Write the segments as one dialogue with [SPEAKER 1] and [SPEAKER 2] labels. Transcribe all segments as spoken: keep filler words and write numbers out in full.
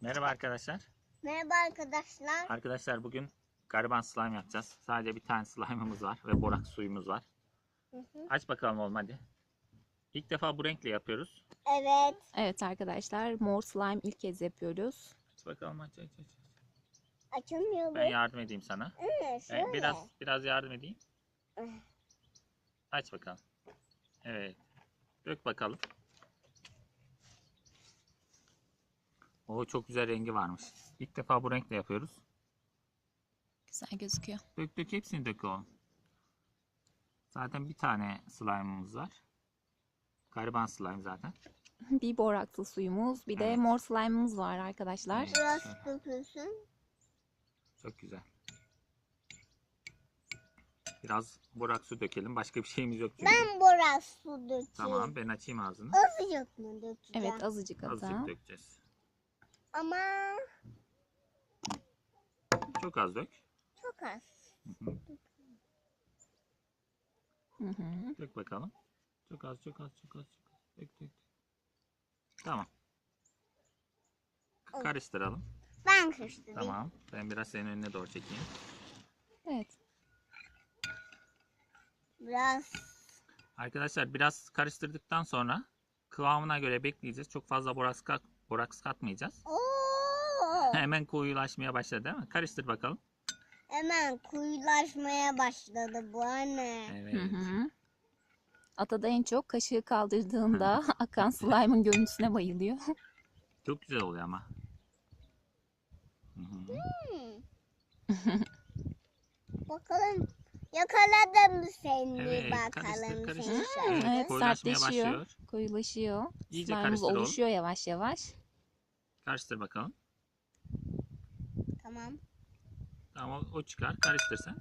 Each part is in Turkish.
[SPEAKER 1] Merhaba arkadaşlar.
[SPEAKER 2] Merhaba arkadaşlar.
[SPEAKER 1] Arkadaşlar bugün gariban slime yapacağız. Sadece bir tane slime'ımız var ve borak suyumuz var.
[SPEAKER 2] Hı hı.
[SPEAKER 1] Aç bakalım oğlum hadi. İlk defa bu renkle yapıyoruz.
[SPEAKER 2] Evet.
[SPEAKER 3] Evet arkadaşlar, mor slime ilk kez yapıyoruz.
[SPEAKER 1] Aç bakalım aç aç aç.
[SPEAKER 2] Açılmıyor bu.
[SPEAKER 1] Ben yardım edeyim sana.
[SPEAKER 2] Evet, şöyle.
[SPEAKER 1] Ben biraz biraz yardım edeyim.
[SPEAKER 2] Ah.
[SPEAKER 1] Aç bakalım. Evet. Dök bakalım. Oo, çok güzel rengi varmış. İlk defa bu renkle yapıyoruz.
[SPEAKER 3] Güzel gözüküyor.
[SPEAKER 1] Dök dök hepsini dök oğlum. Zaten bir tane slime'ımız var. Gariban slime zaten.
[SPEAKER 3] Bir boraksı suyumuz, bir de
[SPEAKER 1] Evet.
[SPEAKER 3] mor slime'ımız var arkadaşlar.
[SPEAKER 1] Evet.
[SPEAKER 2] Biraz dökülsün.
[SPEAKER 1] Çok güzel. Biraz borak su dökelim. Başka bir şeyimiz yok çünkü.
[SPEAKER 2] Ben biraz su dökeyim.
[SPEAKER 1] Tamam, ben açayım ağzını.
[SPEAKER 2] Azıcık mı dökeceğim?
[SPEAKER 3] Evet, azıcık
[SPEAKER 1] Azıcık
[SPEAKER 3] hatta.
[SPEAKER 1] dökeceğiz.
[SPEAKER 2] Ama
[SPEAKER 1] Çok az dök.
[SPEAKER 2] çok az.
[SPEAKER 1] Hı hı.
[SPEAKER 3] Hı hı.
[SPEAKER 1] Dök bakalım. Çok az, çok az, çok az, çok az. Dök, dök. Tamam. K- Karıştıralım.
[SPEAKER 2] Ben karıştırayım.
[SPEAKER 1] Tamam. Ben biraz senin önüne doğru çekeyim.
[SPEAKER 3] Evet.
[SPEAKER 2] Biraz.
[SPEAKER 1] Arkadaşlar biraz karıştırdıktan sonra kıvamına göre bekleyeceğiz. Çok fazla boraks, kat, boraks katmayacağız.
[SPEAKER 2] Oo.
[SPEAKER 1] Hemen koyulaşmaya başladı değil mi? Karıştır bakalım.
[SPEAKER 2] Hemen kuyulaşmaya başladı bu anne.
[SPEAKER 1] Evet.
[SPEAKER 3] Hı hı. Ata da en çok kaşığı kaldırdığında akan slime'ın görüntüsüne bayılıyor.
[SPEAKER 1] Çok güzel oluyor ama. Hı hı.
[SPEAKER 2] Hmm. Bakalım. Yakaladım seni
[SPEAKER 1] Evet,
[SPEAKER 2] bakalım
[SPEAKER 1] karıştır,
[SPEAKER 2] seni
[SPEAKER 1] karıştır.
[SPEAKER 2] şöyle.
[SPEAKER 1] Evet,
[SPEAKER 3] Evet,
[SPEAKER 1] koyulaşmaya
[SPEAKER 3] sertleşiyor,
[SPEAKER 1] başlıyor.
[SPEAKER 3] koyulaşıyor.
[SPEAKER 1] İyice
[SPEAKER 3] Slime'ımız
[SPEAKER 1] karıştır oğlum.
[SPEAKER 3] oluşuyor yavaş yavaş.
[SPEAKER 1] Karıştır bakalım.
[SPEAKER 2] Tamam.
[SPEAKER 1] Tamam, o, o çıkar. Karıştır sen.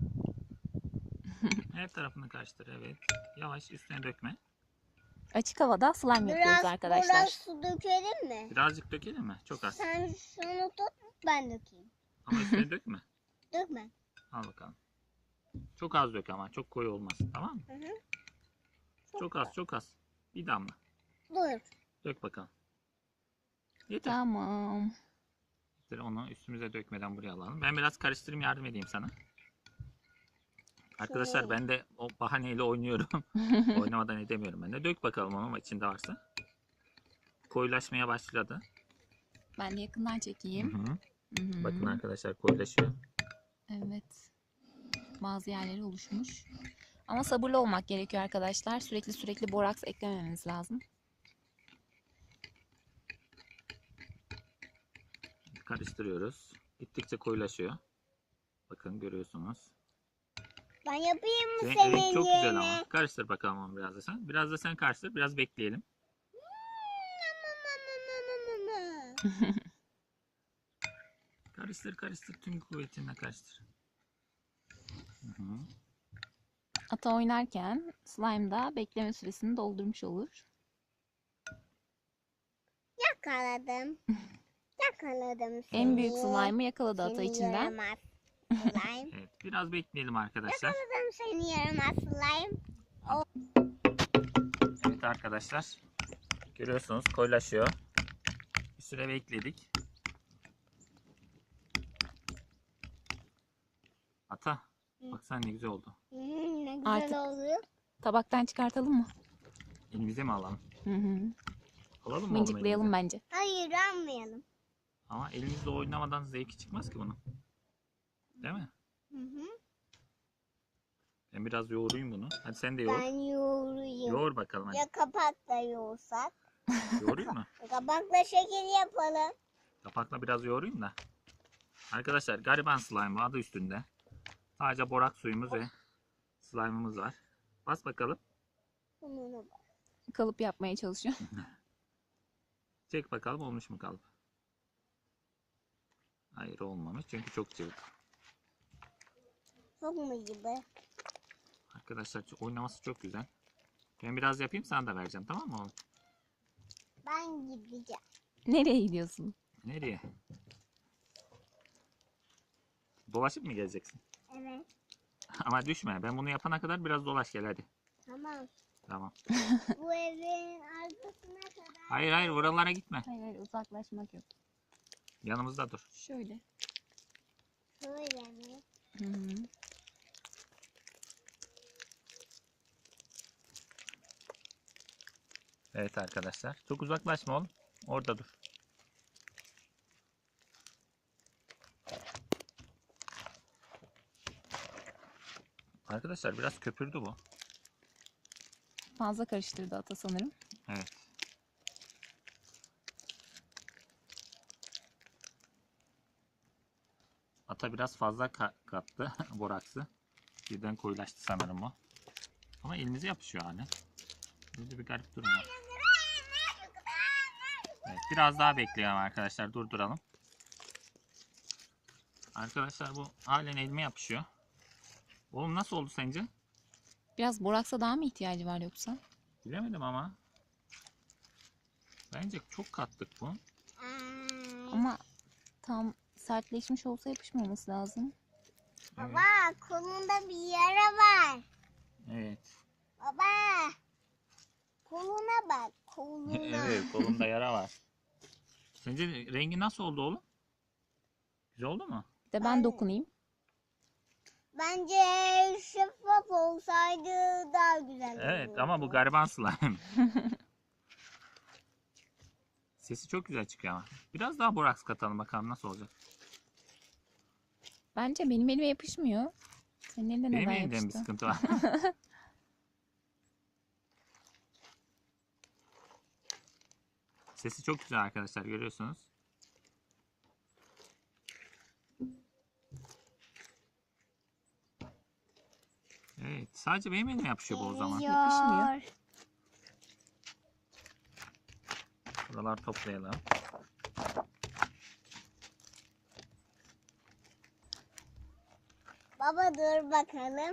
[SPEAKER 1] Her tarafını karıştır. Evet. Yavaş, üstüne dökme.
[SPEAKER 3] Açık havada slime yapıyoruz
[SPEAKER 2] Biraz
[SPEAKER 3] arkadaşlar.
[SPEAKER 2] biraz su dökelim mi?
[SPEAKER 1] Birazcık dökelim mi? Çok az.
[SPEAKER 2] Sen şunu tut, ben dökeyim.
[SPEAKER 1] Ama üstüne dökme.
[SPEAKER 2] Dökme.
[SPEAKER 1] Al bakalım. Çok az dök ama. Çok koyu olmasın. Tamam mı?
[SPEAKER 2] Hı hı.
[SPEAKER 1] Çok az, çok az. Bir damla.
[SPEAKER 2] Dur.
[SPEAKER 1] Dök bakalım. Yeter.
[SPEAKER 3] Tamam.
[SPEAKER 1] Yeter. Onu üstümüze dökmeden buraya alalım. Ben biraz karıştırayım, yardım edeyim sana. Arkadaşlar
[SPEAKER 2] Şey.
[SPEAKER 1] ben de o bahaneyle oynuyorum. Oynamadan edemiyorum ben de. Dök bakalım onun içinde varsa. Koyulaşmaya başladı.
[SPEAKER 3] Ben de yakından
[SPEAKER 1] Hı
[SPEAKER 3] çekeyim.
[SPEAKER 1] hı.
[SPEAKER 3] Hı hı.
[SPEAKER 1] Bakın arkadaşlar koyulaşıyor.
[SPEAKER 3] Evet. Bazı yerleri oluşmuş. Ama sabırlı olmak gerekiyor arkadaşlar. Sürekli sürekli boraks eklemememiz lazım.
[SPEAKER 1] Karıştırıyoruz. Gittikçe koyulaşıyor. Bakın görüyorsunuz.
[SPEAKER 2] Ben yapayım mı
[SPEAKER 1] Renk,
[SPEAKER 2] senin
[SPEAKER 1] renk çok güzel
[SPEAKER 2] yerine?
[SPEAKER 1] ama. Karıştır bakalım onu biraz da sen. Biraz da sen karıştır. Biraz bekleyelim. Karıştır karıştır. Tüm kuvvetinle karıştır. Hı hı.
[SPEAKER 3] Ata oynarken slime da bekleme süresini doldurmuş olur.
[SPEAKER 2] Yakaladım. Yakaladım seni.
[SPEAKER 3] En büyük slime'ı yakaladı Ata
[SPEAKER 2] Seni
[SPEAKER 3] içinden.
[SPEAKER 2] yaramaz slime.
[SPEAKER 1] Evet. Biraz bekleyelim arkadaşlar.
[SPEAKER 2] Yakaladım seni yaramaz slime.
[SPEAKER 1] Evet arkadaşlar. Görüyorsunuz koyulaşıyor. Bir süre bekledik. Ata. Bak sen ne güzel oldu.
[SPEAKER 2] Hmm, ne güzel
[SPEAKER 3] Artık-
[SPEAKER 2] oluyor.
[SPEAKER 3] Tabaktan çıkartalım mı?
[SPEAKER 1] Elimize mi alalım?
[SPEAKER 3] Hı hı.
[SPEAKER 1] Alalım mı oğlum
[SPEAKER 3] Mıncıklayalım
[SPEAKER 1] elimize?
[SPEAKER 3] bence.
[SPEAKER 2] Hayır almayalım.
[SPEAKER 1] Ama elimizle oynamadan zevki çıkmaz ki bunun. Değil mi?
[SPEAKER 2] Hı hı.
[SPEAKER 1] Ben biraz yoğurayım bunu. Hadi sen de yoğur.
[SPEAKER 2] Ben yoğurayım.
[SPEAKER 1] Yoğur bakalım hadi.
[SPEAKER 2] Ya kapakla yoğursak?
[SPEAKER 1] Yoğurayım mı?
[SPEAKER 2] Kapakla şekil yapalım.
[SPEAKER 1] Kapakla biraz yoğurayım da. Arkadaşlar gariban slime adı üstünde. Sadece borak suyumuz ve slime'ımız var. Bas bakalım.
[SPEAKER 2] Bunu bak.
[SPEAKER 3] Kalıp yapmaya çalışıyor.
[SPEAKER 1] Çek bakalım olmuş mu kalıp? Hayır olmamış çünkü çok cıvık.
[SPEAKER 2] Çok mu gibi?
[SPEAKER 1] Arkadaşlar oynaması çok güzel. Ben biraz yapayım sana da vereceğim tamam mı oğlum?
[SPEAKER 2] Ben gideceğim.
[SPEAKER 3] Nereye gidiyorsun?
[SPEAKER 1] Nereye? Dolaşıp mı geleceksin?
[SPEAKER 2] Evet.
[SPEAKER 1] Ama düşme. Ben bunu yapana kadar biraz dolaş gel hadi.
[SPEAKER 2] Tamam.
[SPEAKER 1] Tamam.
[SPEAKER 2] Bu evin arkasına kadar.
[SPEAKER 1] Hayır hayır oralara gitme.
[SPEAKER 3] Hayır hayır uzaklaşmak yok.
[SPEAKER 1] Yanımızda dur.
[SPEAKER 3] Şöyle.
[SPEAKER 2] Şöyle mi?
[SPEAKER 3] Hı hı.
[SPEAKER 1] Evet arkadaşlar. Çok uzaklaşma oğlum. Orada dur. Arkadaşlar biraz köpürdü bu.
[SPEAKER 3] Fazla karıştırdı ata sanırım.
[SPEAKER 1] Evet. Ata biraz fazla ka- kattı boraksı. Birden koyulaştı sanırım o. Ama elimize yapışıyor hani. Burada bir garip durum var. Evet, biraz daha bekleyelim arkadaşlar. Durduralım. Arkadaşlar bu halen elime yapışıyor. Oğlum nasıl oldu sence?
[SPEAKER 3] Biraz boraksa daha mı ihtiyacı var yoksa?
[SPEAKER 1] Bilemedim ama. Bence çok kattık bu.
[SPEAKER 2] Ay.
[SPEAKER 3] Ama tam sertleşmiş olsa yapışmaması lazım.
[SPEAKER 1] Evet.
[SPEAKER 2] Baba kolunda bir yara var.
[SPEAKER 1] Evet.
[SPEAKER 2] Baba. Koluna bak. Koluna.
[SPEAKER 1] Evet, kolumda yara var. Sence rengi nasıl oldu oğlum? Güzel oldu mu?
[SPEAKER 3] Bir de ben
[SPEAKER 2] Ben-
[SPEAKER 3] dokunayım.
[SPEAKER 2] Bence şeffaf olsaydı daha güzel
[SPEAKER 1] Evet
[SPEAKER 2] olurdu.
[SPEAKER 1] ama bu gariban slime. Sesi çok güzel çıkıyor ama. Biraz daha boraks katalım bakalım nasıl olacak.
[SPEAKER 3] Bence benim elime yapışmıyor. Senin elinde
[SPEAKER 1] Benim
[SPEAKER 3] neden
[SPEAKER 1] elimde mi bir
[SPEAKER 3] yapıştı?
[SPEAKER 1] sıkıntı var? Sesi çok güzel arkadaşlar, görüyorsunuz. Evet, sadece benim elime yapışıyor bu o zaman.
[SPEAKER 2] Geliyor.
[SPEAKER 3] Yapışmıyor.
[SPEAKER 1] Buraları toplayalım.
[SPEAKER 2] Baba dur bakalım.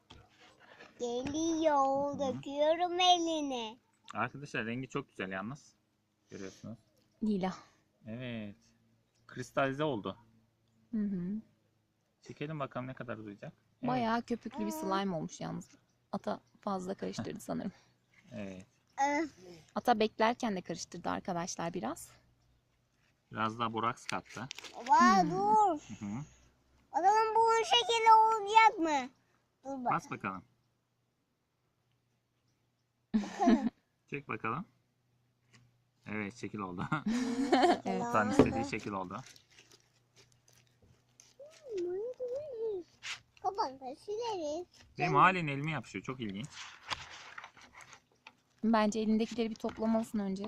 [SPEAKER 2] Geliyor.
[SPEAKER 1] Hı.
[SPEAKER 2] Döküyorum eline.
[SPEAKER 1] Arkadaşlar rengi çok güzel yalnız. Görüyorsunuz.
[SPEAKER 3] Lila.
[SPEAKER 1] Evet. Kristalize oldu.
[SPEAKER 3] Hı hı.
[SPEAKER 1] Çekelim bakalım ne kadar uzayacak. Evet.
[SPEAKER 3] Bayağı köpüklü bir slime olmuş yalnız. Ata fazla karıştırdı sanırım.
[SPEAKER 1] Evet.
[SPEAKER 2] Öf.
[SPEAKER 3] Ata beklerken de karıştırdı arkadaşlar biraz.
[SPEAKER 1] Biraz daha boraks kattı.
[SPEAKER 2] Baba
[SPEAKER 3] Hmm.
[SPEAKER 2] dur.
[SPEAKER 1] Hı hı.
[SPEAKER 2] Bakalım bunun şekli olacak mı? Dur bak.
[SPEAKER 1] Bas bakalım. Çek bakalım. Evet, şekil oldu.
[SPEAKER 3] Evet.
[SPEAKER 1] Tan istediği şekil oldu.
[SPEAKER 2] Kapanı sileriz.
[SPEAKER 1] Benim halen elime yapışıyor. Çok ilginç.
[SPEAKER 3] Bence elindekileri bir toplamalısın önce.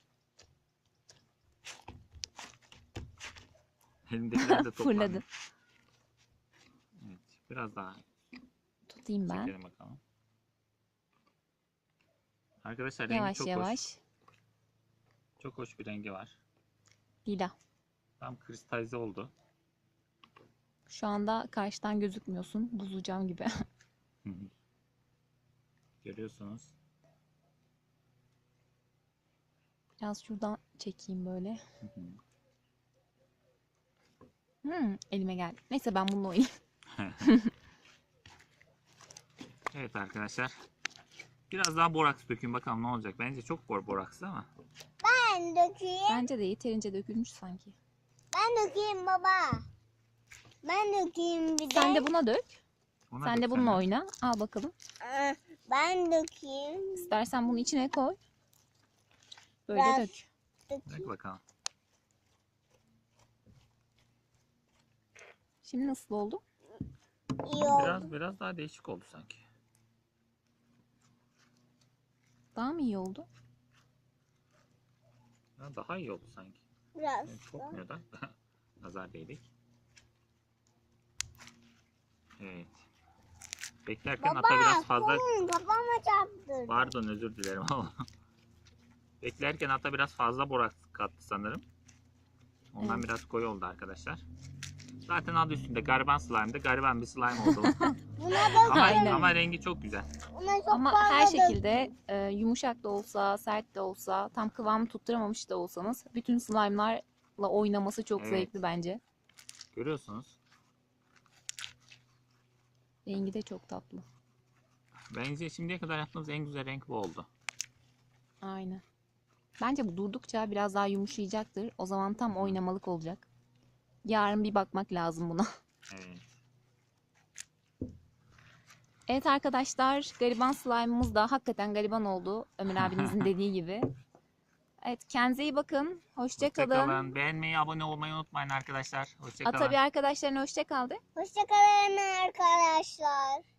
[SPEAKER 1] Elimdekiler de toplandı.
[SPEAKER 3] Fırladı.
[SPEAKER 1] Evet, biraz daha
[SPEAKER 3] Tutayım ben.
[SPEAKER 1] çekelim bakalım. Arkadaşlar rengi
[SPEAKER 3] Yavaş
[SPEAKER 1] çok
[SPEAKER 3] yavaş.
[SPEAKER 1] hoş. Çok hoş bir rengi var.
[SPEAKER 3] Lila.
[SPEAKER 1] Tam kristalize oldu.
[SPEAKER 3] Şu anda karşıdan gözükmüyorsun. Buzlu cam gibi.
[SPEAKER 1] Görüyorsunuz.
[SPEAKER 3] Biraz şuradan çekeyim böyle. Hmm, elime geldi. Neyse ben bununla oynayayım.
[SPEAKER 1] Evet arkadaşlar. Biraz daha boraks dökün bakalım ne olacak. Bence çok bor borakslı ama.
[SPEAKER 2] Ben dökeyim.
[SPEAKER 3] Bence de yeterince dökülmüş sanki.
[SPEAKER 2] Ben dökeyim baba. Ben dökeyim bir de.
[SPEAKER 3] Sen de buna dök.
[SPEAKER 1] Ona
[SPEAKER 3] Sen
[SPEAKER 1] dök
[SPEAKER 3] de bununla oyna. Al bakalım.
[SPEAKER 2] Aa, Ben dökeyim.
[SPEAKER 3] İstersen bunu içine koy. Böyle
[SPEAKER 2] Biraz.
[SPEAKER 3] dök.
[SPEAKER 1] Dök
[SPEAKER 2] Dökeyim.
[SPEAKER 1] bakalım.
[SPEAKER 3] Şimdi nasıl oldu?
[SPEAKER 2] İyi oldu.
[SPEAKER 1] Biraz biraz daha değişik oldu sanki.
[SPEAKER 3] Daha mı iyi oldu?
[SPEAKER 1] Ya daha iyi oldu sanki.
[SPEAKER 2] Biraz.
[SPEAKER 1] Yani
[SPEAKER 2] da.
[SPEAKER 1] kokmuyor da. Nazar değdik. Evet. Beklerken
[SPEAKER 2] Baba
[SPEAKER 1] ata biraz fazla...
[SPEAKER 2] kolum kafama çarptı.
[SPEAKER 1] Pardon, özür dilerim ama. Beklerken ata biraz fazla boraks kattı sanırım. Ondan
[SPEAKER 3] Evet.
[SPEAKER 1] biraz koyu oldu arkadaşlar. Zaten adı üstünde gariban slime'dı. Gariban bir slime oldu.
[SPEAKER 2] Buna da
[SPEAKER 1] ama,
[SPEAKER 3] Aynen.
[SPEAKER 1] ama rengi çok güzel.
[SPEAKER 2] Buna çok
[SPEAKER 3] Ama
[SPEAKER 2] fazla
[SPEAKER 3] her
[SPEAKER 2] dök-
[SPEAKER 3] şekilde e, yumuşak da olsa, sert de olsa, tam kıvamı tutturamamış da olsanız bütün slime'larla oynaması çok
[SPEAKER 1] Evet.
[SPEAKER 3] zevkli bence.
[SPEAKER 1] Görüyorsunuz.
[SPEAKER 3] Rengi de çok tatlı.
[SPEAKER 1] Bence şimdiye kadar yaptığımız en güzel renk bu oldu.
[SPEAKER 3] Aynen. Bence bu durdukça biraz daha yumuşayacaktır. O zaman tam oynamalık olacak. Yarın bir bakmak lazım buna.
[SPEAKER 1] Evet.
[SPEAKER 3] Evet arkadaşlar, gariban slime'ımız da hakikaten gariban oldu. Ömer abinizin dediği gibi. Evet, kendinize iyi bakın. Hoşça kalın.
[SPEAKER 1] Hoşçakalın. Beğenmeyi, abone olmayı unutmayın arkadaşlar. Hoşçakalın.
[SPEAKER 3] Ata bir arkadaşlarına hoşça kal de.
[SPEAKER 2] Hoşçakalın arkadaşlar.